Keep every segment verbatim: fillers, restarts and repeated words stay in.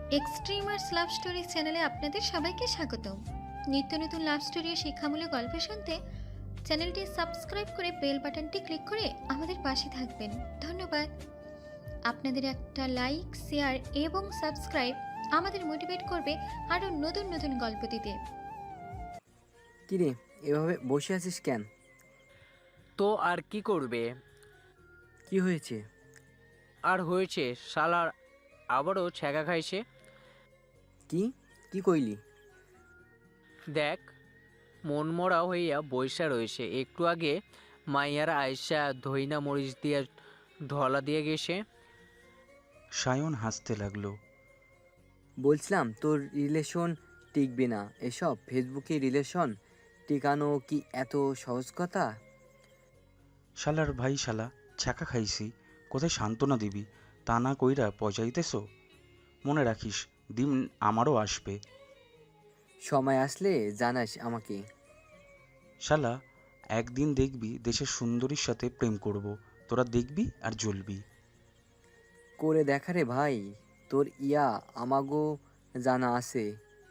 Extremers love story চ্যানেলে আপনাদের সবাইকে স্বাগতম। নিত্য নতুন লাভ স্টোরি ও শিক্ষামূলক গল্প শুনতে চ্যানেলটি সাবস্ক্রাইব করে বেল বাটনটি ক্লিক করে আমাদের পাশে থাকবেন। ধন্যবাদ। আপনাদের একটা লাইক, শেয়ার এবং সাবস্ক্রাইব আমাদের মোটিভেট করবে আরও নতুন নতুন গল্প দিতে। কিরে, এভাবে বসে আছিস কেন? তো আর কি করবে? কি হয়েছে? আর হয়েছে, শালার আবারও ছ্যাঁকা খাইছে। কি কি কইলি? দেখ, মনমরা হইয়া বইসা রয়েছে। একটু আগে মাইয়ার আয়সা ধইনা মরিচ দিয়া ঢলা দিয়ে গেছে। সায়ন হাসতে লাগলো। বলছিলাম তোর রিলেশন টিকবে না। এসব ফেসবুকে রিলেশন টিকানো কি এত সহজ কথা? শালার ভাই, শালা ছ্যাঁকা খাইছি, কোথায় সান্ত্বনা দিবি? তা না কইরা পচাইতেছ। মনে রাখিস, দিন আমারও আসবে। সময় আসলে জানাস আমাকে। শালা, একদিন দেখবি দেশের সুন্দরীর সাথে প্রেম করব, তোরা দেখবি আর জ্বলবি। করে দেখা রে ভাই, তোর ইয়া আমাগো জানা আছে।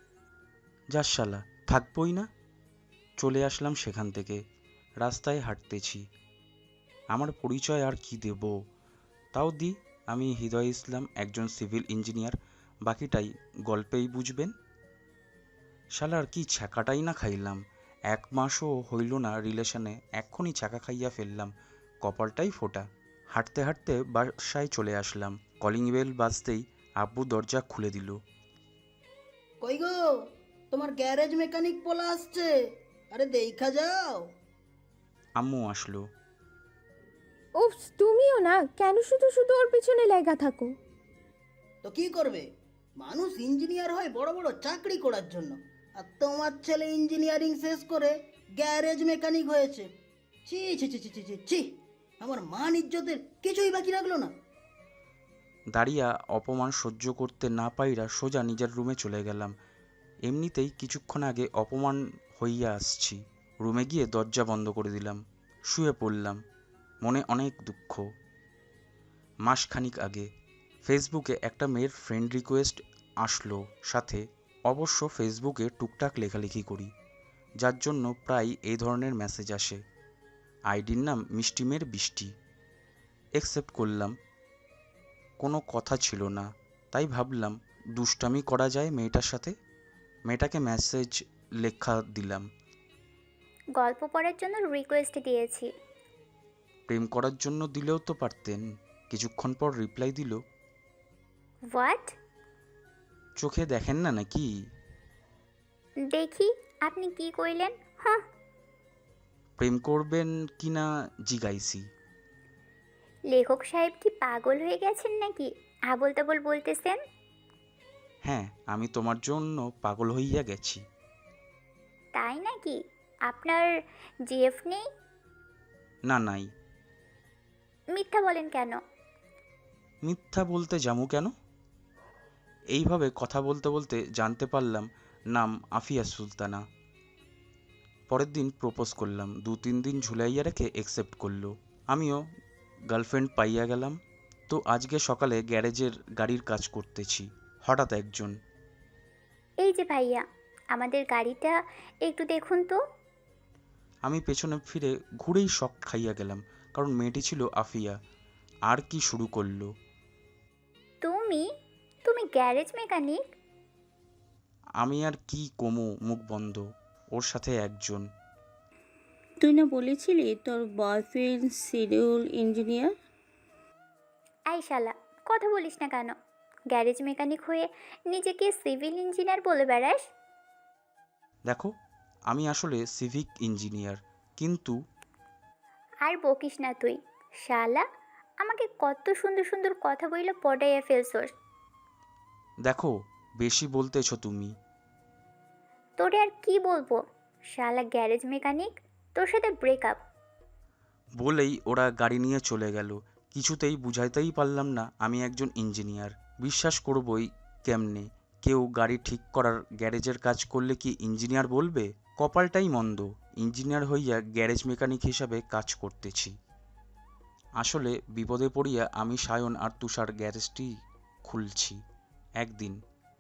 যাস শালা, থাকবই না। চলে আসলাম সেখান থেকে, রাস্তায় হাঁটতেছি। আমার পরিচয় আর কি দেব? তাও দি, আমি হৃদয় ইসলাম, একজন সিভিল ইঞ্জিনিয়ার। বাকিটাই গল্পেই বুঝবেন। শালার কি ছ্যাঁকাটাই না খাইলাম। এক মাসও হইল না রিলেশনে, এক্ষুনি ছ্যাঁকা খাইয়া ফেললাম। কপালটাই ফোটা। হাঁটতে হাঁটতে বাসায় চলে আসলাম। কলিং বেল বাজতেই আব্বু দরজা খুলে দিল। কই গো, তোমার গ্যারেজ মেকানিক পোলা আসছে, আরে দেখা যাও। আম্মু আসলো। উফ, তুমিও না, কেন শুধু শুধু ওর পিছনে লেগা থাকো? তো কি করবে, মানুষ ইঞ্জিনিয়ার হয় বড় বড় চাকরি করার জন্য, আর তোমার ছেলে ইঞ্জিনিয়ারিং শেষ করে গ্যারেজ মেকানিক হয়েছে। ছি ছি ছি ছি ছি ছি ছি, আমার মান ইজ্জতের কিছুই বাকি রাখলো না। দাঁড়িয়া অপমান সহ্য করতে না পাইরা সোজা নিজের রুমে চলে গেলাম। এমনিতেই কিছুক্ষণ আগে অপমান হইয়া আসছি। রুমে গিয়ে দরজা বন্ধ করে দিলাম। শুয়ে পড়লাম। মনে অনেক দুঃখ। মাসখানিক আগে ফেসবুকে একটা মেয়ের ফ্রেন্ড রিকোয়েস্ট আসলো সাথে। অবশ্য ফেসবুকে টুকটাক লেখালেখি করি, যার জন্য প্রায় এই ধরনের মেসেজ আসে। আইডির নাম মিষ্টিমের বৃষ্টি। অ্যাকসেপ্ট করলাম। কোনো কথা ছিল না, তাই ভাবলাম দুষ্টামি করা যায় মেয়েটার সাথে। মেয়েটাকে মেসেজ লেখা দিলাম। গল্প পড়ার জন্য রিকোয়েস্ট দিয়েছি। প্রেম করার জন্য দিলেও তো পারতেন। কিছুক্ষণ পর রিপ্লাই দিল, হোয়াট? চোখে দেখেন না নাকি? দেখি আপনি কি কইলেন। হ্যাঁ, প্রেম করবেন কি না জিগাইছি। লেখক সাহেব কি পাগল হয়ে গেছেন নাকি? আবোল তাবোল বলতেছেন। হ্যাঁ, আমি তোমার জন্য পাগল হইয়া গেছি। তাই নাকি? আপনার জিএফ নেই? না, নাই। মিথ্যা বলেন কেন? মিথ্যা বলতে যামু কেন? এইভাবে কথা বলতে বলতে জানতে পারলাম নাম আফিয়া সুলতানা। পরের দিন প্রপোজ করলাম। দু তিন দিন ঝুলাইয়া রেখে অ্যাকসেপ্ট করলো। আমিও গার্লফ্রেন্ড পাইয়া গেলাম। তো আজকে সকালে গ্যারেজের গাড়ির কাজ করতেছি। হঠাৎ একজন, এই যে ভাইয়া, আমাদের গাড়িটা একটু দেখুন তো। আমি পেছনে ফিরে ঘুরেই শক খাইয়া গেলাম, কারণ মেয়েটি ছিল আফিয়া। আর কি শুরু করলো। তুমি তুমি গ্যারেজ মেকানিক? আমি আর কি কমু, মুখ বন্ধ। ওর সাথে একজন। তুই না বলেছিলি তোর বয়ফ্রেন্ড সিভিল ইঞ্জিনিয়ার? আই শালা, কথা বলিস না কেন? গ্যারেজ মেকানিক হয়ে নিজেকে সিভিল ইঞ্জিনিয়ার বলে বেড়াস? দেখো, আমি আসলে সিভিক ইঞ্জিনিয়ার, কিন্তু আর বকিস না তুই। শালা, আমাকে কত সুন্দর সুন্দর কথা বইলে পটাইয়া ফেলছোস। দেখো, বেশি বলতেছ তুমি। তোরে আর কি বলবো? শালা গ্যারেজ মেকানিক, তোর সাথে ব্রেকআপ। বলেই ওরা গাড়ি নিয়ে চলে গেল। কিছুতেই বুঝাইতেই পারলাম না আমি একজন ইঞ্জিনিয়ার। বিশ্বাস করবই কেমনে? কেউ গাড়ি ঠিক করার গ্যারেজের কাজ করলে কি ইঞ্জিনিয়ার বলবে? কপালটাই মন্দ, ইঞ্জিনিয়ার হইয়া গ্যারেজ মেকানিক হিসাবে কাজ করতেছি। আসলে বিপদে পড়িয়া আমি সায়ন আর তুষার গ্যারেজটি খুলছি। একদিন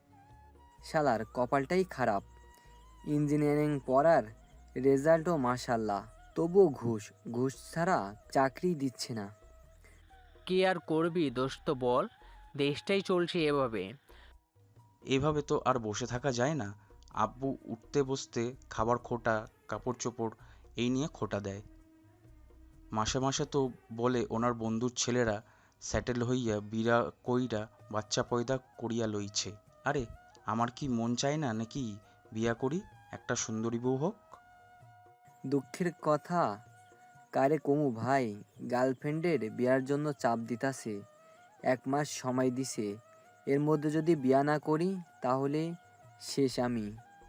শালার কপালটাই খারাপ। ইঞ্জিনিয়ারিং পড়ার রেজাল্টও মাশাল্লাহ, তবুও ঘুষ ঘুষ ছাড়া চাকরি দিচ্ছে না। কি আর করবি দোস্ত বল, দেশটাই চলছে এভাবে। এভাবে তো আর বসে থাকা যায় না। আব্বু উঠতে বসতে খাবার খোটা, কাপড় চোপড় এই নিয়ে খোটা দেয়। মাসে মাসে তো বলে ওনার বন্ধুর ছেলেরা সেটেল হইয়া বিরা কইরা বাচ্চা পয়দা করিয়া লইছে। আরে আমার কি মন চায় না নাকি বিয়া করি, একটা সুন্দরী বউ হোক? দুঃখের কথা কারে কমু ভাই, গার্লফ্রেন্ডের বিয়ার জন্য চাপ দিতাছে, এক মাস সময় দিছে, এর মধ্যে যদি বিয়া না করি তাহলে শেষ আমি।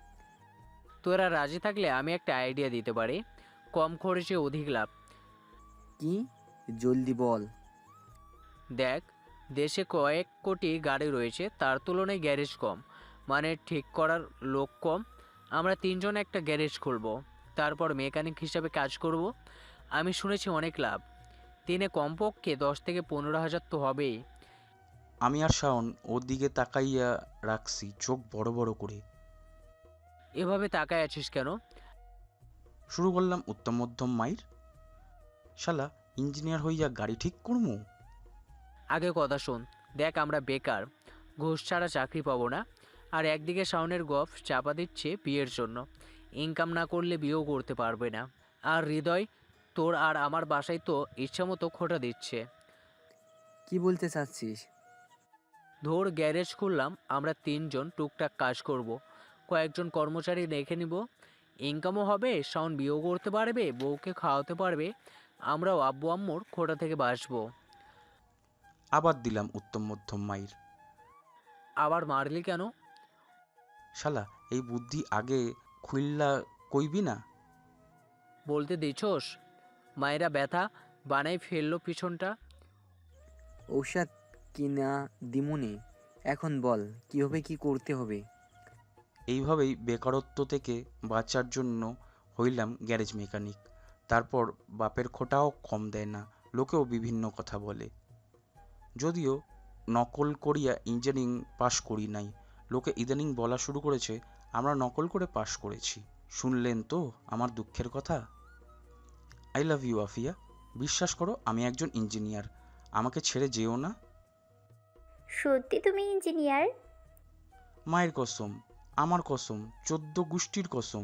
তোরা রাজি থাকলে আমি একটা আইডিয়া দিতে পারি, কম খরচে অধিক লাভ। কি? জলদি বল। দেখ, দেশে কয়েক কোটি গাড়ি রয়েছে, তার তুলনায় গ্যারেজ কম, মানে ঠিক করার লোক কম। আমরা তিনজন একটা গ্যারেজ খুলব, তারপর মেকানিক হিসাবে কাজ করব। আমি শুনেছি অনেক লাভ, দিনে কমপক্ষে দশ থেকে পনেরো হাজার তো হবেই। আমি আর শাওন ওর দিকে তাকাইয়া রাখছি চোখ বড় বড় করে। এভাবে তাকায় আছিস কেন? শুরু করলাম উত্তম মধ্যম মাইর। শালা ইঞ্জিনিয়ার হইয়া গাড়ি ঠিক করমু? আগে কথা শোন। দেখ, আমরা বেকার, ঘুষ ছাড়া চাকরি পাবো না, আর একদিকে শাওনের গফ চাপা দিচ্ছে বিয়ের জন্য, ইনকাম না করলে বিয়েও করতে পারবে না। আর হৃদয়, তোর আর আমার বাসায় তো ইচ্ছামতো খোটা দিচ্ছে। কি বলতে চাচ্ছিস? ধর গ্যারেজ খুললাম, আমরা তিনজন টুকটাক কাজ করব, কয়েকজন কর্মচারী রেখে নিব, ইনকামও হবে, শাওন বিয়েও করতে পারবে, বউকে খাওয়াতে পারবে, আমরাও আব্বু আম্মুর খোটা থেকে বাঁচবো। আবার দিলাম উত্তম মধ্যম মাইর। আবার মারলি কেন? শালা এই বুদ্ধি আগে খুইল্লা কইবি না? বলতে দিছোস? মায়েরা ব্যথা বানাই ফেললো পিছনটা। ঔষধ কিনা দিমুনি, এখন বল কীভাবে কি করতে হবে। এইভাবেই বেকারত্ব থেকে বাঁচার জন্য হইলাম গ্যারেজ মেকানিক। তারপর বাপের খোটাও কম দেয় না, লোকেও বিভিন্ন কথা বলে। যদিও নকল করিয়া ইঞ্জিনিয়ারিং পাশ করি নাই, লোকে ইদানিং বলা শুরু করেছে আমরা নকল করে পাশ করেছি। শুনলেন তো আমার দুঃখের কথা? আই লাভ ইউ আফিয়া, বিশ্বাস করো আমি একজন ইঞ্জিনিয়ার, আমাকে ছেড়ে যেও না। সত্যি তুমি ইঞ্জিনিয়ার? মায়ের কসম, আমার কসম, চোদ্দ গোষ্ঠীর কসম।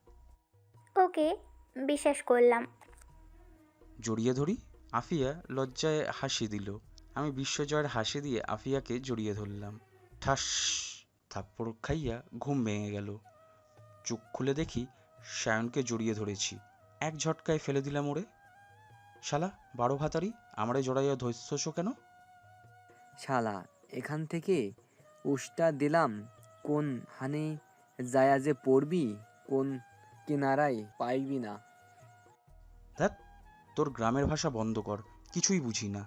ওকে, বিশ্বাস করলাম। জড়িয়ে ধরি? আফিয়া লজ্জায় হাসি দিল। আমি বিশ্বজয়ের হাসি দিয়ে আফিয়াকে জড়িয়ে ধরলাম। ঠাস, থাপ্পড় খাইয়া ঘুম ভেঙে গেল। চোখ খুলে দেখি সায়নকে জড়িয়ে ধরেছি, এক ঝটকায় ফেলে দিলাম ওরে। শালা বারো ভাতারি, আমারে জড়াইয়া ধৈর্যস কেন? শালা এখান থেকে উষ্টা দিলাম, কোন হানে যায়া যে পড়বি, কোন কিনারায় পাইবি না। ধ্যাত, তোর গ্রামের ভাষা বন্ধ কর, কিছুই বুঝি না।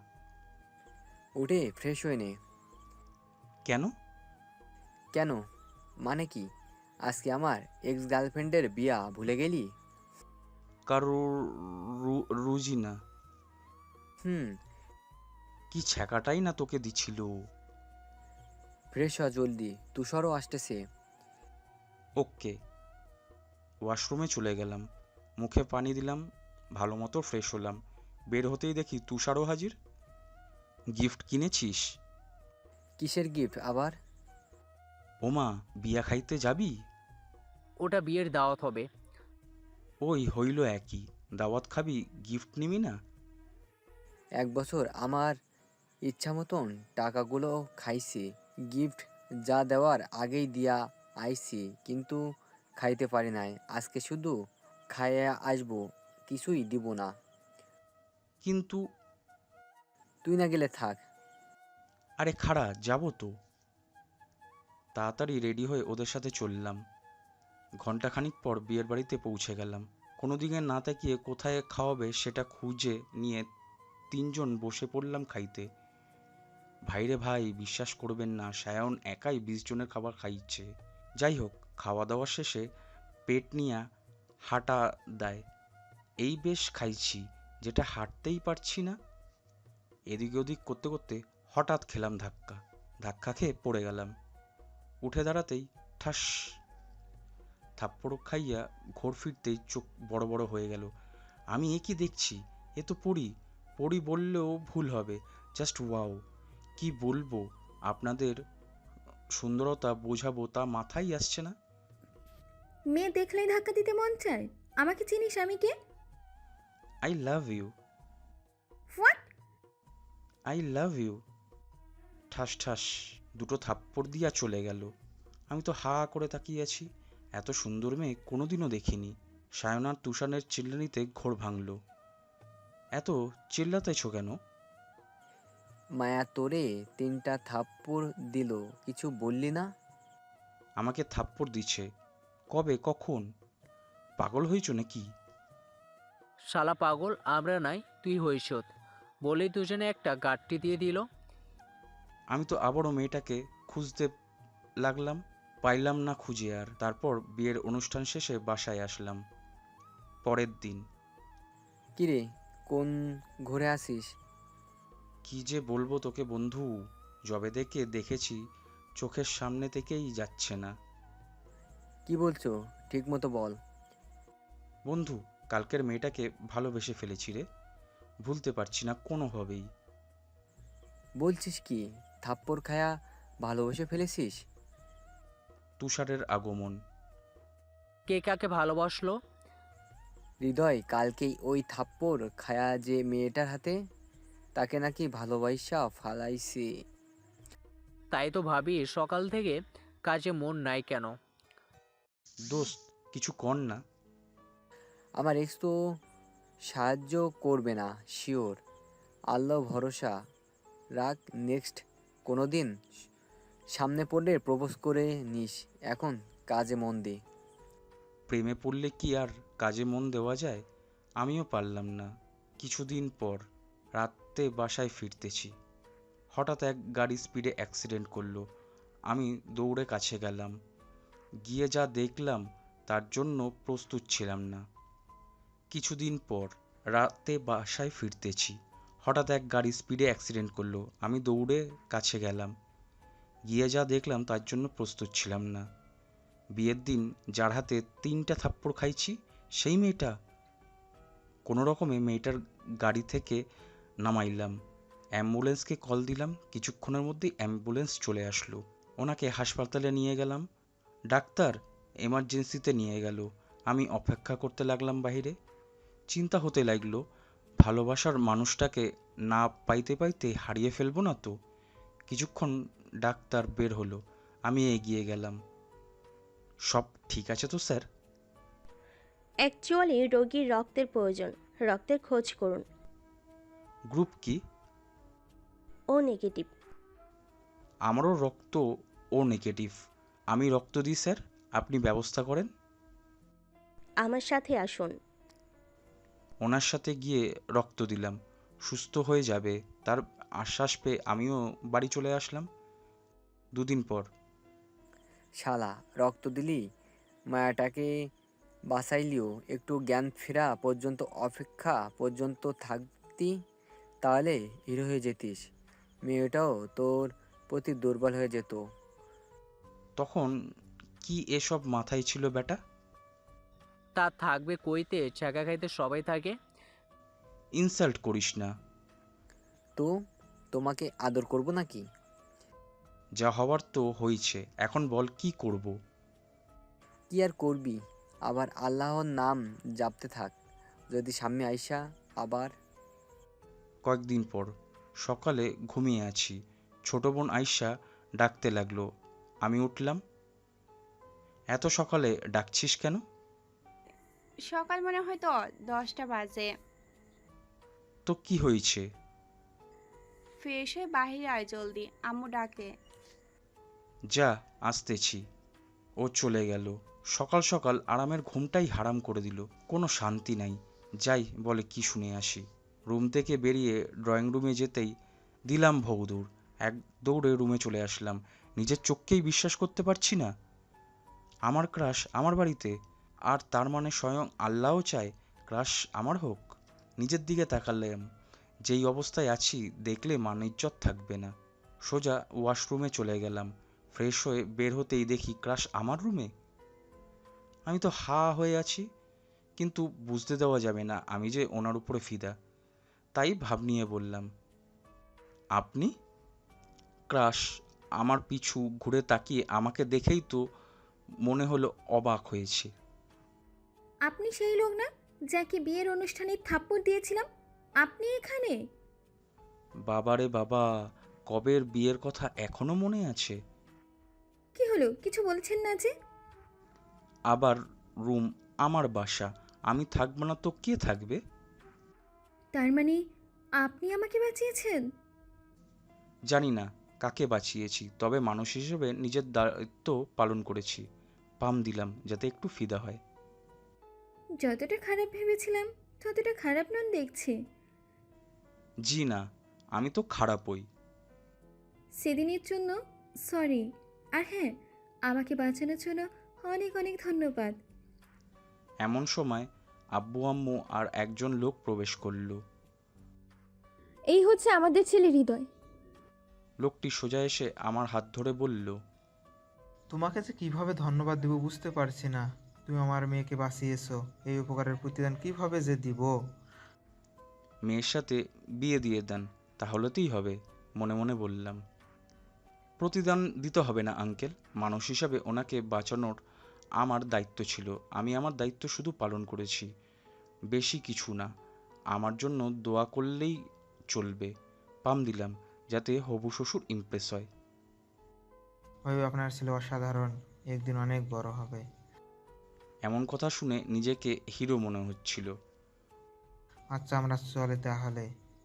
উঠে ফ্রেশ হয়ে নে। কেন? কেন মানে কি? আজকে আমার এক্স গার্লফ্রেন্ডের বিয়া ভুলে গেলি? কারোর রু- রুজি না। হুম। কি ছ্যাঁকাটাই না তোকে দিছিল। ফ্রেশ হ জলদি, তুষারও আসতেছে। ওকে। ওয়াশরুমে চলে গেলাম, মুখে পানি দিলাম, ভালো মতো ফ্রেশ হলাম। বের হতেই দেখি তুষারও হাজির। গিফট কিনেছিস? কিসের গিফট আবার? ওমা, বিয়া খাইতে যাবি? ওটা বিয়ের দাওয়াত হবে। ওই হইল একই, দাওয়াত খাবি, গিফট নিবি না? এক বছর আমার ইচ্ছা মতন টাকাগুলো খাইছি, গিফট যা দেওয়ার আগেই দিয়া আইছি, কিন্তু খাইতে পারি নাই। আজকে শুধু খাইয়া আসবো, কিছুই দিব না। কিন্তু তুই না গেলে থাক। আরে খাড়া, যাবো তো। তাড়াতাড়ি রেডি হয়ে ওদের সাথে চললাম। ঘন্টাখানিক পর বিয়ের বাড়িতে পৌঁছে গেলাম। কোনো দিকে না তাকিয়ে কোথায় খাওয়াবে সেটা খুঁজে নিয়ে তিনজন বসে পড়লাম খাইতে। ভাইরে ভাই, বিশ্বাস করবেন না, সায়ন একাই বিশ জনের খাবার খাইছে। যাই হোক, খাওয়া দাওয়া শেষে পেট নিয়ে হাঁটা দেয়, এই বেশ খাইছি, যেটা হাঁটতেই পারছি না। এদিক ওদিক করতে করতে হঠাৎ খেলাম ধাক্কা। ধাক্কা খেয়ে পড়ে গেলাম। উঠে দাঁড়াতেই ঠাস থাপ্পড় খাইয়া ঘোর ফিরতেই চোখ বড় বড় হয়ে গেল। আমি এ কি দেখছি? এ তো পড়ি। পড়ি বললেও ভুল হবে। Just wow! কি বলবো আপনাদের, সুন্দরতা বোঝাবো তা মাথায় আসছে না। মেয়ে দেখলেই ধাক্কা দিতে মন চায়। আমাকে চিনিস আমি কে? I love you, what? I love you. ঠাস ঠাস দুটো থাপ্পড় দিয়া চলে গেল। আমি তো হা করে তাকিয়ে আছি। এত সুন্দর মেয়ে কোনোদিনও দেখিনি। সায়নার তুষানের চিল্লানিতে ঘোর ভাঙল। এত চিল্লাতেছ কেন? মায়া তোরে তিনটা থাপ্পড় দিল, কিছু বললি না? আমাকে থাপ্পড় দিচ্ছে? কবে, কখন? পাগল হয়েছ নাকি? শালা পাগল আমরা নাই, তুই হইছত বলেই দুজনে একটা গাঁটটি দিয়ে দিল। আমি তো আবারও মেয়েটাকে খুঁজতে লাগলাম, পাইলাম না খুঁজে আর। তারপর বিয়ের অনুষ্ঠান শেষে বাসায় আসলাম। পরের দিন। কিরে, কোন ঘুরে আসিস? কি যে বলবো তোকে বন্ধু, যবে থেকে দেখেছি চোখের সামনে থেকেই যাচ্ছে না। কি বলছো, ঠিক মতো বল। বন্ধু, কালকের মেয়েটাকে ভালোবেসে ফেলেছি রে, ভুলতে পারছি না কোনোভাবেই। বলছিস কি, থাপ্পড় খায়া ভালোবেসে ফেলেছিস? তুষারের আগমন। কে কাকে ভালোবাসলো? হৃদয় কালকেই ওই থাপ্পড় খায়া যে মেয়েটার হাতে, তাকে নাকি ভালোবাসা ফালাইছে। তাই তো ভাবি সকাল থেকে কাজে মন নাই কেন। দোস্ত, কিছু কর না। আমার এক্স তো সাহায্য করবে না শিওর। আল্লাহ ভরসা রাখ, নেক্সট কোনো দিন সামনে পড়লে প্রপোজ করে নিস। এখন কাজে মন দে। প্রেমে পড়লে কি আর কাজে মন দেওয়া যায়? আমিও পারলাম না। কিছুদিন পর রাতে বাসায় ফিরতেছি, হঠাৎ এক গাড়ি স্পিডে অ্যাক্সিডেন্ট করলো। আমি দৌড়ে কাছে গেলাম। গিয়ে যা দেখলাম তার জন্য প্রস্তুত ছিলাম না। কিছুদিন পর রাতে বাসায় ফিরতেছি, হঠাৎ এক গাড়ি স্পিডে অ্যাক্সিডেন্ট করলো। আমি দৌড়ে কাছে গেলাম। গিয়ে যা দেখলাম তার জন্য প্রস্তুত ছিলাম না। বিয়ের দিন যার হাতে তিনটা থাপ্পড় খাইছি, সেই মেয়েটা। কোনো রকমে মেয়েটার গাড়ি থেকে নামাইলাম, অ্যাম্বুলেন্সকে কল দিলাম। কিছুক্ষণের মধ্যেই অ্যাম্বুলেন্স চলে আসলো। ওনাকে হাসপাতালে নিয়ে গেলাম। ডাক্তার এমার্জেন্সিতে নিয়ে গেল। আমি অপেক্ষা করতে লাগলাম বাইরে। চিন্তা হতে লাগলো, ভালোবাসার মানুষটাকে না পাইতে পাইতে হারিয়ে ফেলবো না তো। কিছুক্ষণ ডাক্তার বের হলো, আমি এগিয়ে গেলাম। সব ঠিক আছে তো স্যার? অ্যাকচুয়ালি রোগীর রক্তের প্রয়োজন, রক্তের খোঁজ করুন। গ্রুপ কি? O negative. আমারও রক্ত ও নেগেটিভ। আমি রক্ত দিই স্যার, আপনি ব্যবস্থা করেন। আমার সাথে আসুন। ওনার সাথে গিয়ে রক্ত দিলাম। সুস্থ হয়ে যাবে তার আশ্বাস পেয়ে আমিও বাড়ি চলে আসলাম। দুদিন পর। শালা, রক্ত দিলি, মায়াটাকে বাঁচাইলিও, একটু জ্ঞান ফেরা পর্যন্ত অপেক্ষা পর্যন্ত থাকতি, তাহলে হিরো হয়ে যেতিস। মেয়েটাও তোর প্রতি দুর্বল হয়ে যেত। তখন কি এসব মাথায় ছিল বেটা? তা থাকবে কইতে, চাকা খাইতে সবাই থাকে। ইনসাল্ট করিস না। তো তোমাকে আদর করব নাকি? যা হওয়ার তো হয়েছে, এখন বল কি করব? কি আর করবি, আবার আল্লাহর নাম জাপতে থাক। যদি সামনে আইসা আবার। কয়েকদিন পর সকালে ঘুমিয়ে আছি, ছোট বোন আইসা ডাকতে লাগলো। আমি উঠলাম। এত সকালে ডাকছিস কেন? সকাল মনে হয় তো দশটা বাজে। তো কি হয়েছে? ফ্রেশ হয়ে বাহিরে আয় জলদি, আম্মু ডাকে। যা, আসতেছি। ও চলে গেল। সকাল সকাল আরামের ঘুমটাই হারাম করে দিল। কোনো শান্তি নাই। যাই বলে কি শুনে আসি। রুম থেকে বেরিয়ে ড্রয়িং রুমে যেতেই দিলাম ভৌদৌড়। এক দৌড়ে রুমে চলে আসলাম। নিজের চোখকেই বিশ্বাস করতে পারছি না। আমার ক্রাশ আমার বাড়িতে, আর তার মানে স্বয়ং আল্লাহও চায় ক্রাশ আমার হোক। নিজের দিকে তাকালাম, যেই অবস্থায় আছি দেখলে মান ইজ্জত থাকবে না। সোজা ওয়াশরুমে চলে গেলাম, ফ্রেশ হয়ে বের হতেই দেখি ক্রাশ আমার রুমে। আমি তো হা হয়ে আছি, কিন্তু বুঝতে দেওয়া যাবে না আমি যে ওনার উপরে ফিদা। তাই ভাব নিয়ে বললাম, আপনি? ক্রাশ আমার পিছু ঘুরে তাকিয়ে আমাকে দেখেই তো মনে হলো অবাক হয়েছে। আপনি সেই লোক না যাকে বিয়ের অনুষ্ঠানে থাপ্পড় দিয়েছিলাম? আপনি এখানে? বাবারে বাবা, কবের বিয়ের কথা এখনো মনে আছে? কি হলো, কিছু বলছেন না যে? আবার রুম, আমার বাসা, আমি থাকবো না তো কে থাকবে? তার মানে আপনি আমাকে বাঁচিয়েছেন? জানি না কাকে বাঁচিয়েছি, তবে মানুষ হিসেবে নিজের দায়িত্ব পালন করেছি। পাম দিলাম যাতে একটু ফিদা হয়। যতটা খারাপ ভেবেছিলাম ততটা খারাপ নন দেখছি। জি না, আমি তো খারাপই। সেদিনের জন্য সরি। আর হ্যাঁ, আমাকে বাঁচানোর জন্য অনেক অনেক ধন্যবাদ। এমন সময় আব্বু আম্মু আর একজন লোক প্রবেশ করলো। এই হচ্ছে আমাদের ছেলে হৃদয়। লোকটি সোজা এসে আমার হাত ধরে বলল, তোমাকে যে কিভাবে ধন্যবাদ দেবো বুঝতে পারছি না। তুমি আমার মেয়েকে বাঁচিয়েছো, এই উপকারের প্রতিদান কিভাবে যে দিব। মেয়ের সাথে বিয়ে দিয়ে দেন, তাহলেতেই হবে, মনে মনে বললাম। প্রতিদান দিতে হবে না আঙ্কেল, মানুষ হিসাবে ওনাকে বাঁচানোর আমার দায়িত্ব ছিল, আমি আমার দায়িত্ব শুধু পালন করেছি, বেশি কিছু না। আমার জন্য দোয়া করলেই চলবে। পাম দিলাম যাতে হবু শ্বশুর ইমপ্রেস হয়। ভাই, আপনার ছেলে অসাধারণ, একদিন অনেক বড় হবে। এমন কথা শুনে নিজেকে হিরো মনে হচ্ছিল। আচ্ছা, আমরা চলে তাহলে।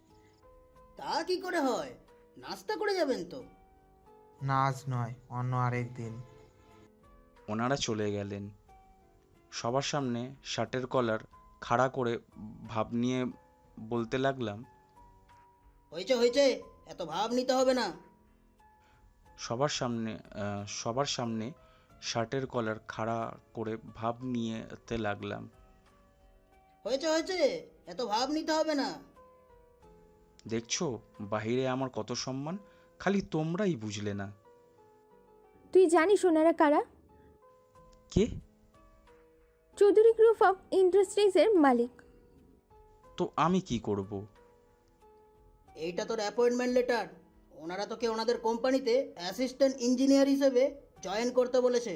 তা কি করে হয়? নাস্তা করে যাবেন তো? না, আজ নয়, অন্য আরেক দিন। ওনারা চলে গেলেন। সবার সামনে শার্টের কলার খাড়া করে ভাব নিয়ে বলতে লাগলাম, হয়েছে হয়েছে, এত ভাব নিতে হবে না। সবার সামনে আহ, সবার সামনে শার্টের কলার খাড়া করে ভাব নিয়েতে লাগলাম। হয়েছে হয়েছে, এত ভাব নিতে হবে না। দেখছো বাহিরে আমার কত সম্মান, খালি তোমরাই বুঝলে না। তুই জানিস ওনারা কারা? কে? চৌধুরী গ্রুপ অফ ইন্ডাস্ট্রিজের মালিক। তো আমি কি করব? এইটা তোর অ্যাপয়েন্টমেন্ট লেটার। ওনারা তোকে ওনাদের কোম্পানিতে অ্যাসিস্ট্যান্ট ইঞ্জিনিয়ার হিসেবে জয়েন করতে বলেছে।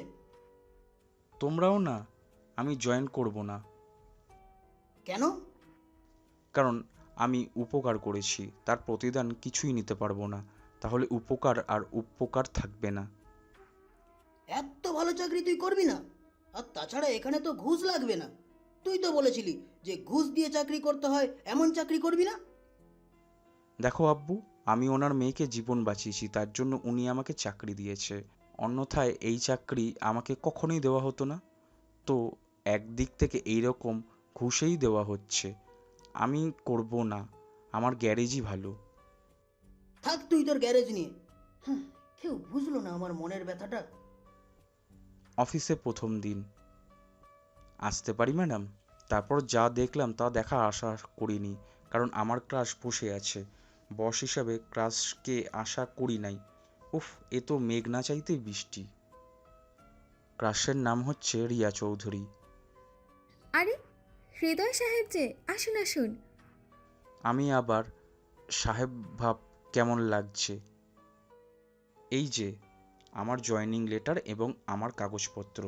তোমরাও না, আমি জয়েন করব না। কেন? কারণ আমি উপকার করেছি, তার প্রতিদান কিছুই নিতে পারবো না, তাহলে উপকার আর উপকার থাকবে না। এত ভালো চাকরি তুই করবি না? আর তাছাড়া এখানে তো ঘুষ লাগবে না। তুই তো বলেছিলি যে ঘুষ দিয়ে চাকরি করতে হয়, এমন চাকরি করবি না। দেখো আব্বু, আমি ওনার মেয়েকে জীবন বাঁচিয়েছি, তার জন্য উনি আমাকে চাকরি দিয়েছে, অন্যথায় এই চাকরি আমাকে কখনোই দেওয়া হতো না। তো একদিক থেকে এইরকম ঘুষেই দেওয়া হচ্ছে, আমি করব না, আমার গ্যারেজই ভালো। থাক তুই তোর গ্যারেজ নিয়ে। হ্যাঁ, কেউ বুঝলো না আমার মনের ব্যথাটা। অফিসে প্রথম দিন। আসতে পারি ম্যাডাম? তারপর যা দেখলাম তা দেখা আশা করিনি, কারণ আমার ক্রাশ বসে আছে। বস হিসাবে ক্রাশকে আশা করি নাই। উফ, এ তো মেঘ না চাইতেই বৃষ্টি। ক্রাশের নাম হচ্ছে রিয়া চৌধুরী। আরে হৃদয় সাহেব যে, আসুন আসুন। আমি আবার সাহেব ভাব কেমন লাগছে? এই যে আমার জয়েনিং লেটার এবং আমার কাগজপত্র।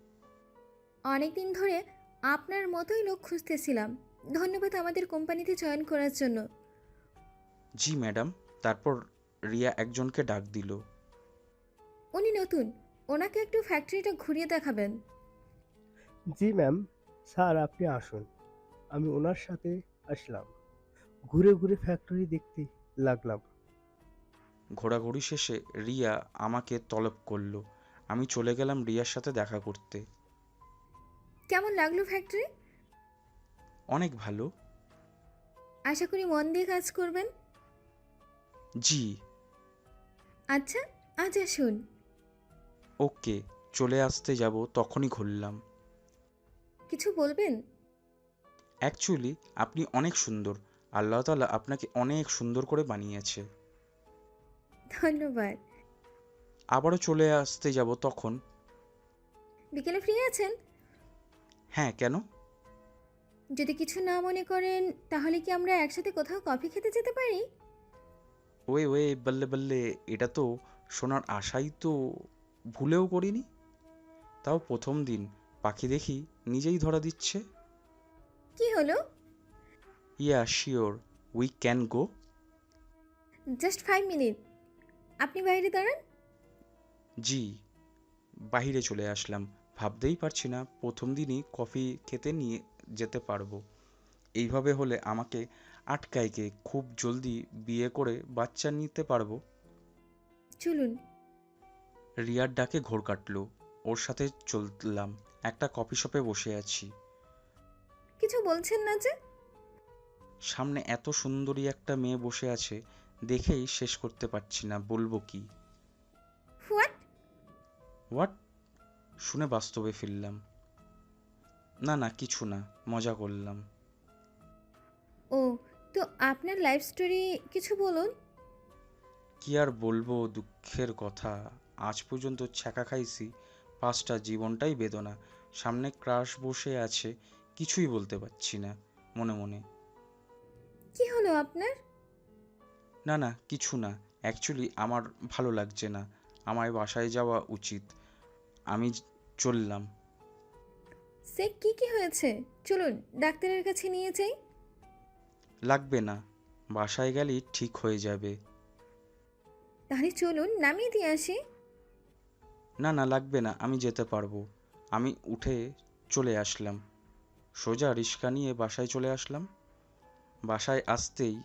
অনেকদিন ধরে আপনার মতোই লোক খুঁজতেছিলাম। ধন্যবাদ আমাদের কোম্পানিতে জয়েন করার জন্য। জি ম্যাডাম। তারপর রিয়া একজনকে ডাক দিল। উনি নতুন, ওনাকে একটু ফ্যাক্টরিটা ঘুরিয়ে দেখাবেন। জি ম্যাম, স্যার আপনি আসুন। আমি ওনার সাথে আসলাম, ঘুরে ঘুরে ফ্যাক্টরি দেখতে লাগলাম। ঘোরাঘুরি শেষে রিয়া আমাকে তলব করলো। আমি চলে গেলাম রিয়ার সাথে দেখা করতে। কেমন লাগলো ফ্যাক্টরি? অনেক ভালো। আশা করি মন দিয়ে কাজ করবেন। জি। আচ্ছা, আজ আসুন। ওকে, চলে আসতে যাব তখনই খুললাম। কিছু বলবেন? অ্যাকচুয়ালি আপনি অনেক সুন্দর, আল্লাহ তাআলা আপনাকে অনেক সুন্দর করে বানিয়েছে। ধন্যবাদ। আবারও চলে আসতে যাব তখন। বিকেলে ফ্রি আছেন? হ্যাঁ, কেন? যদি কিছু না মনে করেন তাহলে কি আমরা একসাথে কোথাও কফি খেতে যেতে পারি? ওয়ে ওয়ে বললে বললে, এটা তো শোনার আশাই তো ভুলেও করিনি। তাও প্রথম দিন পাখি দেখি নিজেই ধরা দিচ্ছে। কি হলো? Yeah sure, we can go. Just five minute. আপনি বাইরে দাঁড়ান। জি। বাহিরে চলে আসলাম। ভাবতেই পারছি না প্রথম দিনই কফি খেতে নিয়ে যেতে পারবো। এইভাবে হলে আমাকে আটকায় কে? খুব জলদি বিয়ে করে বাচ্চা নিতে পারবো। চলুন। রিয়ার ডাকে ঘোর কাটলো। ওর সাথে চললাম। একটা কফি শপে বসে আছি। কিছু বলছেন না যে? সামনে এত সুন্দরী একটা মেয়ে বসে আছে, দেখেই শেষ করতে পারছি না বলবো কি। হোয়াট? হোয়াট? শুনে বাস্তবে ফিরলাম। না না কিছু না, মজা করলাম। ও, তো আপনার লাইফ স্টোরি কিছু বলুন। কি আর বলবো, দুঃখের কথা। আজ পর্যন্ত ছ্যাঁকা খাইছি, পাঁচটা জীবনটাই বেদনা। সামনে ক্রাশ বসে আছে, কিছুই বলতে পারছি না মনে মনে। কি হলো আপনার? না না কিছু না, অ্যাকচুয়ালি আমার ভালো লাগছে না। আমায় বাসায় যাওয়া উচিত। আমি য- চললাম। সে কি কি হয়েছে? চলুন ডাক্তারের কাছে নিয়ে যাই। লাগবে না, বাসায় গেলেই ঠিক হয়ে যাবে। তাহলে চলুন নামিয়ে দিয়ে আসি। না না লাগবে না, আমি যেতে পারবো। আমি উঠে চলে আসলাম। সোজা রিক্সা নিয়ে বাসায় চলে আসলাম। বাসায় আসতেই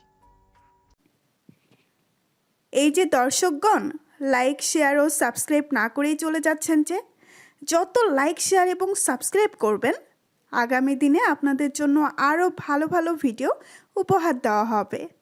এই যে দর্শকগণ, লাইক শেয়ার ও সাবস্ক্রাইব না করেই চলে যাচ্ছেন যে, যত লাইক শেয়ার এবং সাবস্ক্রাইব করবেন আগামী দিনে আপনাদের জন্য আরও ভালো ভালো ভিডিও উপহার দেওয়া হবে।